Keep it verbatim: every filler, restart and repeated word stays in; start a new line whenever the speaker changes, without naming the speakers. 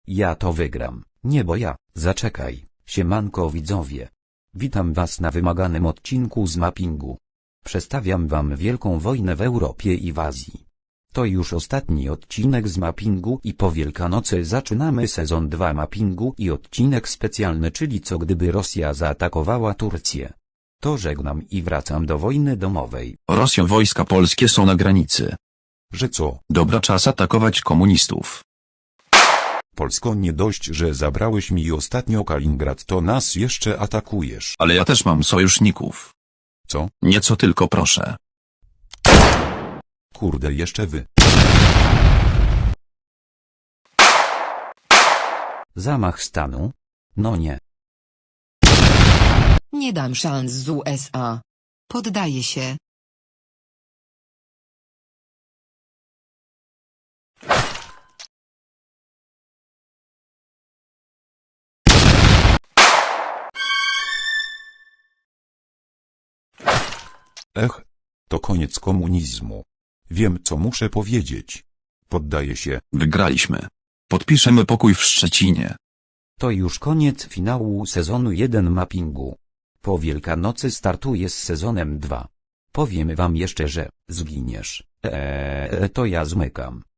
Ja to wygram. Nie bo ja, zaczekaj, siemanko widzowie. Witam was na wymaganym odcinku z mappingu. Przedstawiam wam wielką wojnę w Europie i w Azji. To już ostatni odcinek z mappingu i po Wielkanocy zaczynamy sezon dwa mappingu i odcinek specjalny, czyli co gdyby Rosja zaatakowała Turcję. To żegnam i wracam do wojny domowej.
Rosjo, wojska polskie są na granicy.
Że co?
Dobra, czas atakować komunistów.
Polsko, nie dość, że zabrałeś mi ostatnio Kaliningrad, to nas jeszcze atakujesz.
Ale ja też mam sojuszników.
Co?
Nieco tylko proszę.
Kurde, jeszcze wy.
Zamach stanu? No nie.
Nie dam szans z U S A. Poddaję się.
Ech, to koniec komunizmu. Wiem, co muszę powiedzieć. Poddaję się.
Wygraliśmy. Podpiszemy pokój w Szczecinie.
To już koniec finału sezonu jeden mappingu. Po Wielkanocy startuję z sezonem dwa. Powiem wam jeszcze, że zginiesz. Eee, to ja zmykam.